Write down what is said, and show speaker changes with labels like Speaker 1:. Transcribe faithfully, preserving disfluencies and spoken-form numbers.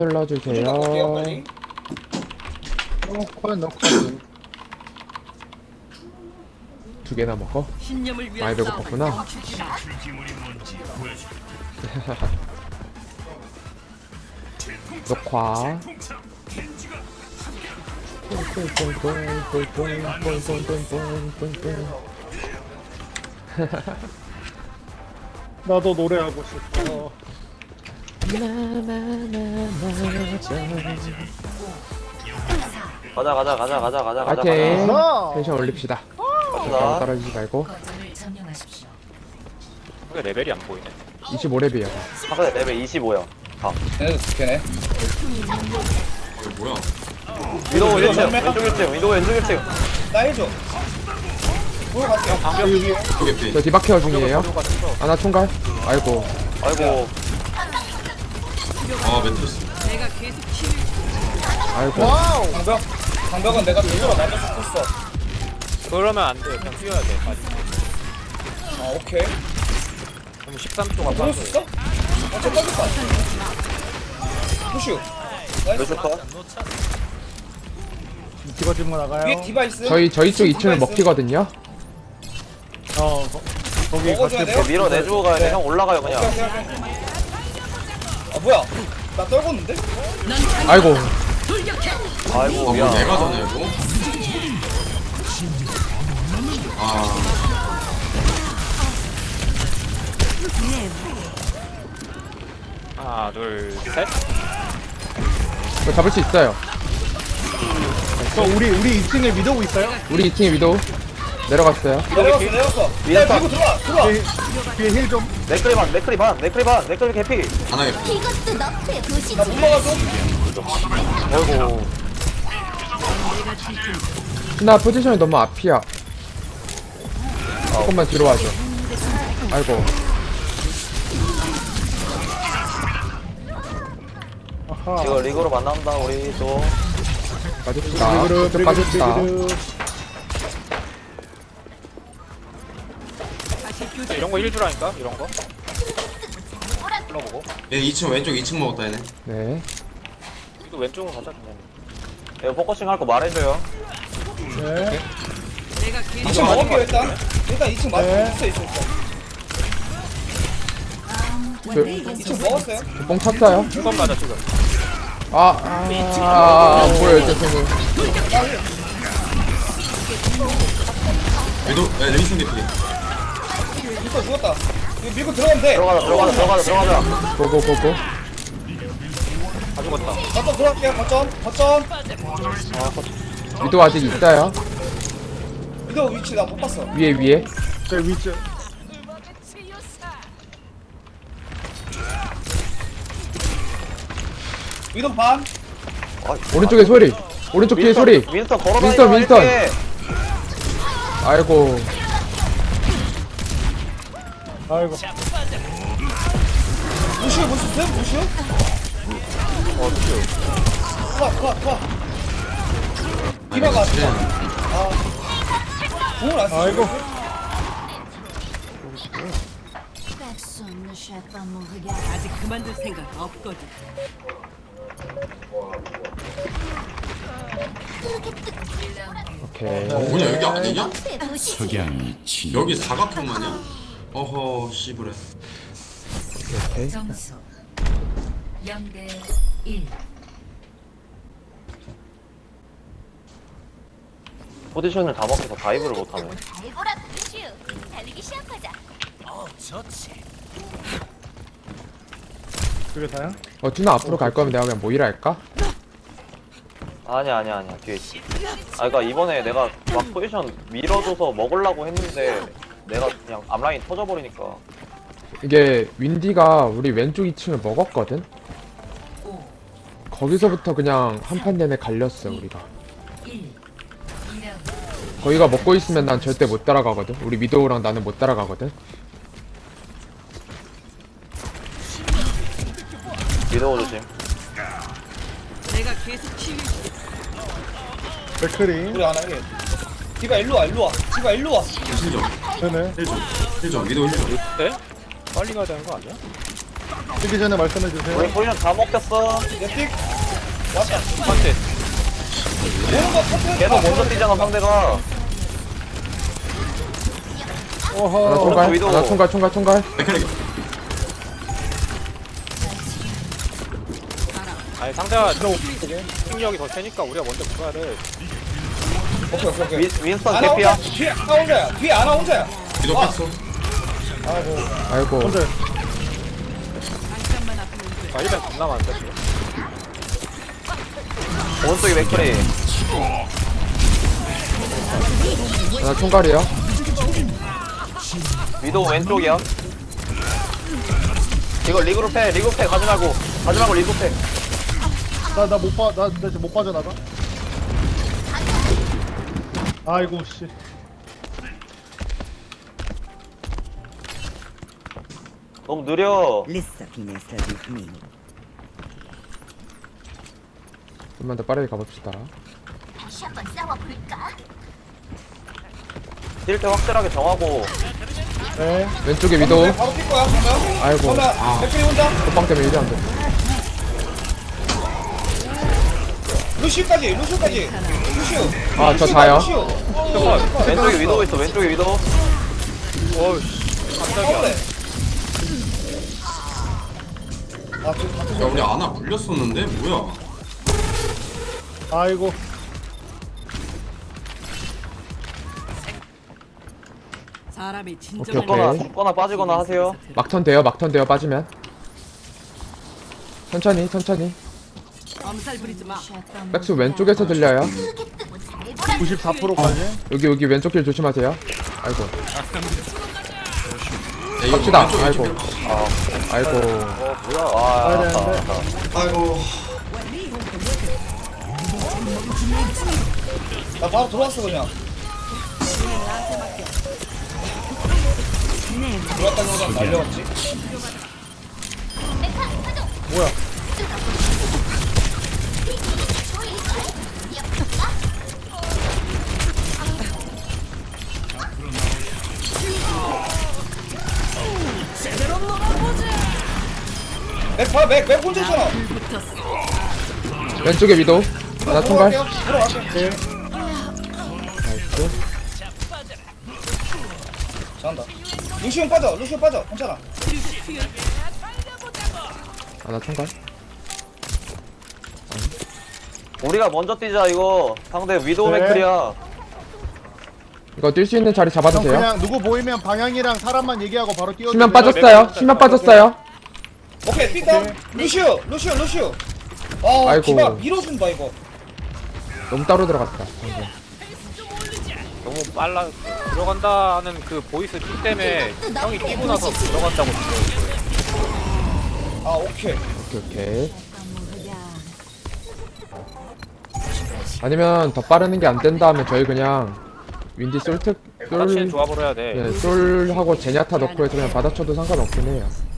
Speaker 1: 눌러주세요.
Speaker 2: 넣을게요 빨리.
Speaker 3: 넣고 넣고
Speaker 1: 두 개나 먹어?
Speaker 4: 신념을 위한
Speaker 1: 많이 배고팠구나. 녹화.
Speaker 3: 나도 노래하고 싶어.
Speaker 5: 가자 가자 가자 가자 가자 가자
Speaker 1: 파이팅!
Speaker 3: 가자.
Speaker 1: 텐션 올립시다. 너무
Speaker 5: 가자.
Speaker 1: 떨어지지 말고.
Speaker 6: 거점을 점령하십시오.
Speaker 7: 왜 레벨이 안 보이네.
Speaker 1: 이십오 렙이에요.
Speaker 5: 상대 레벨 이십오야.
Speaker 2: 얘네도 스캐네.
Speaker 5: 위도우 일 층
Speaker 2: 정면.
Speaker 5: 왼쪽 일 층 위도우 왼쪽 일 층.
Speaker 2: 나 해줘. 보러 갈게요.
Speaker 1: 저 디바케어 중이에요. 아나 총괄. 아이고.
Speaker 5: 아이고
Speaker 4: 내가 계속 키울
Speaker 1: 아이고.
Speaker 2: 와우. 방벽. 방벽은 내가 제대로 맞아서 쳤어.
Speaker 7: 그러면 안 돼. 그냥 뛰어야 돼. 빨리.
Speaker 2: 아 오케이.
Speaker 7: 그럼 십삼 초가
Speaker 2: 들을 수 있어? 어, 저 떨렸다. 푸슈. 나이스.
Speaker 5: 왼쪽 컷.
Speaker 3: 디바 뒷문 나가요.
Speaker 2: 위에 디바이스.
Speaker 1: 저희 저희 쪽 이 층을 먹히거든요.
Speaker 3: 어 거, 거기
Speaker 2: 먹어줘야
Speaker 3: 같이
Speaker 2: 돼요?
Speaker 5: 밀어내주고 가야 돼.
Speaker 2: 네.
Speaker 5: 형 올라가요 그냥.
Speaker 2: 오케이, 오케이, 오케이. 아 뭐야? 나 떨궜는데?
Speaker 1: 아이고.
Speaker 5: 아이고 미안.
Speaker 8: 내가 전에 이거? 아,
Speaker 7: 하나, 둘, 셋.
Speaker 1: 저 잡을 수 있어요.
Speaker 3: 저 우리 우리 이 층에 위도우 있어요?
Speaker 1: 우리 이 층에 위도우 내려갔어요.
Speaker 2: 내려갔어 내려갔어.
Speaker 5: 위에
Speaker 2: 야
Speaker 5: 딱.
Speaker 2: 밀고 들어와 들어와.
Speaker 3: 뒤에 뒤에 힐 좀.
Speaker 5: 네크리 반 네크리 반 네크리 반 네크리 개피.
Speaker 8: 하나에
Speaker 9: 이것도 너프의 도시지.
Speaker 2: 나 못 막아줘.
Speaker 5: 아이고
Speaker 1: 나 포지션이 너무 앞이야. 조금만 뒤로 와줘. 아이고.
Speaker 3: 아하.
Speaker 5: 이거 리그로 만난다 우리 또.
Speaker 1: 빠집시다.
Speaker 3: 브리그르,
Speaker 1: 쭉 빠집시다.
Speaker 3: 브리그르.
Speaker 4: 다시 교전.
Speaker 7: 이런 거 일 주라니까? 이런 거? 불러보고.
Speaker 8: 얘 이 층 왼쪽 이 층 먹었다 얘네.
Speaker 1: 네.
Speaker 7: 또 왼쪽으로 가자, 그냥.
Speaker 5: 이거 포커싱 할 거 말해줘요.
Speaker 3: 네.
Speaker 4: 내가 계속
Speaker 2: 이 층 먹을게요 일단. 일단 이 층 맞.
Speaker 3: 네.
Speaker 2: 있어 있어 있어. 이 층
Speaker 6: 원딜
Speaker 2: 먹었어요?
Speaker 1: 뽕 찼어요.
Speaker 7: 중간 가자, 지금.
Speaker 1: 아, 아, 아, 아 보여요, 죄송해요.
Speaker 8: 얘도 야 레이슨 대피.
Speaker 2: 이거 죽었다. 이거 밀고 들어가면 돼.
Speaker 5: 들어가자 들어가자 들어가자 들어가자.
Speaker 1: 고고고고.
Speaker 7: 다 죽었다.
Speaker 2: 거점 들어갈게요. 거점 거점.
Speaker 1: 위도 아직 있어요.
Speaker 2: 이거 위치 나 못 봤어.
Speaker 1: 위에 위에.
Speaker 3: 저 위쪽.
Speaker 2: 위도 반.
Speaker 1: 오른쪽에 소리. 오른쪽 뒤에 소리.
Speaker 5: 윈스턴 걸어다니자
Speaker 1: 윈스턴, 윈스턴.
Speaker 5: 이렇게.
Speaker 1: 아이고.
Speaker 3: 아이고.
Speaker 2: 무시오 무시오 무시오.
Speaker 5: 어 슈.
Speaker 2: 컷컷컷. 디바가 아. 공을 안 쓰고.
Speaker 3: 아이고.
Speaker 4: 아직 그만둘 생각 없거든.
Speaker 1: 오케이.
Speaker 8: 어 뭐냐 여기 아니냐?
Speaker 9: 너프의 도시지.
Speaker 8: 여기 사각형만이야? 어허 씨부레.
Speaker 1: 오케이.
Speaker 6: 점수 영 대 일.
Speaker 5: 포지션을 다 먹혀서 다이브를 못하네.
Speaker 9: 달고라 푸슈. 달리기 시작하자.
Speaker 3: 그게 다야?
Speaker 1: 어, 준아 앞으로 갈 거면 내가 그냥 모이라 할까?
Speaker 5: 아니야 아니야 아니야 뒤에 있어. 아 그니까 이번에 내가 막 포지션 밀어줘서 먹으려고 했는데 내가 그냥 앞라인 터져버리니까.
Speaker 1: 이게 윈디가 우리 왼쪽 이 층을 먹었거든?
Speaker 6: 오,
Speaker 1: 거기서부터 그냥 한 판 내내 갈렸어, 우리가.
Speaker 6: 일. 이 라운드.
Speaker 1: 거기가 먹고 있으면 난 절대 못 따라가거든? 우리 미도우랑 나는 못 따라가거든?
Speaker 5: 위도우 조심.
Speaker 4: 내가 계속 키울
Speaker 3: 맥크리.
Speaker 2: 우리 안 하게. 디바 일로 와 일로 와. 디바 일로 와.
Speaker 8: 실점.
Speaker 3: 네네.
Speaker 8: 실점. 실점. 위도 실점.
Speaker 7: 네? 빨리 가야 되는 거 아니야?
Speaker 3: 쓰기 전에 말씀해주세요.
Speaker 5: 우리 포지션 다 먹혔어.
Speaker 2: 내픽 왔다.
Speaker 7: 컨텐.
Speaker 2: 오는 거 컨텐츠.
Speaker 5: 계속 먼저 뛰잖아 상대가.
Speaker 1: 하나
Speaker 3: 어허.
Speaker 1: 총괄
Speaker 5: 위도.
Speaker 1: 하나 총괄 총괄 총괄
Speaker 8: 맥크리
Speaker 7: 아니 상대가 승력이 더 세니까 우리가 먼저 그거를
Speaker 2: 오케이 오케이 오케이.
Speaker 5: 윈, 윈스턴
Speaker 2: 아나
Speaker 5: 개피야.
Speaker 2: 혼자. 뒤에 아나 혼자야. 뒤에 아나 혼자야.
Speaker 8: 위도 뺐어.
Speaker 2: 아이고.
Speaker 1: 아이고
Speaker 3: 혼자.
Speaker 4: 잠깐만 앞으로 온
Speaker 7: 아 일단 겁나 많은데 지금.
Speaker 5: 오른쪽에 맥크리.
Speaker 1: 하나 총괄이요
Speaker 5: 위도 왼쪽이야. 이거 리그로 패, 리그 패 가지 말고, 가지 말고 리그 패.
Speaker 3: 나나 못 빠, 나, 나 지금 못 빠져나가. 아이고 씨.
Speaker 5: 너무 느려.
Speaker 1: 좀만 더 빠르게 가봅시다
Speaker 9: 다시 한번 싸워볼까?
Speaker 5: 뛸 때 확실하게 정하고.
Speaker 3: 네.
Speaker 1: 왼쪽에 위도
Speaker 2: 바로 뛸 거야. 그러면.
Speaker 1: 아이고
Speaker 2: 그러면 맥크리 혼자.
Speaker 1: 호빵 때문에 일이 안돼
Speaker 2: 루시우까지. 루시우까지. 루시우.
Speaker 1: 아, 저 다요?
Speaker 2: 루시우.
Speaker 5: 왼쪽에 위도 있어, 왼쪽에 위도.
Speaker 7: 어우씨 깜짝이야.
Speaker 2: 그래. 아 지금 같은
Speaker 8: 야 우리 아나 물렸었는데 뭐야?
Speaker 3: 아이고.
Speaker 4: 사람이
Speaker 1: 오케이,
Speaker 4: 진정한
Speaker 5: 죽거나,
Speaker 1: 오케이.
Speaker 5: 죽거나 빠지거나 하세요.
Speaker 1: 막턴 돼요 막턴 돼요 빠지면 천천히 천천히
Speaker 4: 엄살 부리지 마.
Speaker 1: 백수 왼쪽에서 들려요
Speaker 9: 크게 뜨고 잘 보라.
Speaker 3: 구십사 퍼센트까지.
Speaker 1: 여기 여기 왼쪽 길 조심하세요 아이고
Speaker 8: 야, 이거
Speaker 1: 갑시다
Speaker 8: 왼쪽,
Speaker 1: 아이고
Speaker 8: 왼쪽.
Speaker 1: 아이고
Speaker 5: 어, 뭐야. 아,
Speaker 3: 가야
Speaker 5: 알았다,
Speaker 3: 되는데.
Speaker 5: 알았다.
Speaker 8: 아이고.
Speaker 2: 나 바로 들어왔어 그냥. 들어왔다기보다 날려왔지.
Speaker 3: 뭐야?
Speaker 2: 맥 봐, 맥, 맥 혼자 있잖아.
Speaker 1: 왼쪽에 위도 하나 총괄
Speaker 2: 들어갈게요. 들어갈게요.
Speaker 1: 나이스
Speaker 2: 잘한다. 루시움 빠져, 루시움 빠져. 괜찮아.
Speaker 1: 하나 총괄
Speaker 5: 우리가 먼저 뛰자, 이거. 상대 위도우
Speaker 3: 네.
Speaker 5: 맥크리야.
Speaker 1: 이거 뛸 수 있는 자리
Speaker 3: 형
Speaker 1: 잡아주세요
Speaker 3: 그냥 누구 보이면 방향이랑 사람만 얘기하고 바로 뛰어.
Speaker 1: 수면 빠졌어요 수면 빠졌어요
Speaker 2: 오케이, 뛴다. 루시오, 루시오, 루시오. 아,
Speaker 1: 아이고.
Speaker 2: 기바 밀어준다 이거.
Speaker 1: 너무 따로 들어갔다 방금.
Speaker 7: 너무 빨라. 들어간다 하는 그 보이스 킥 때문에 형이 뛰고 나서 들어간다고 들어요.
Speaker 2: 아, 오케이.
Speaker 1: 오케이 오케이 아니면 더 빠르는 게 안 된다 하면 저희 그냥 윈디 솔트
Speaker 7: 받아치는
Speaker 1: 솔
Speaker 7: 조합을 해야 돼.
Speaker 1: 네, 솔하고 제냐타 넣고 해서 그냥 받아쳐도 상관없긴 해요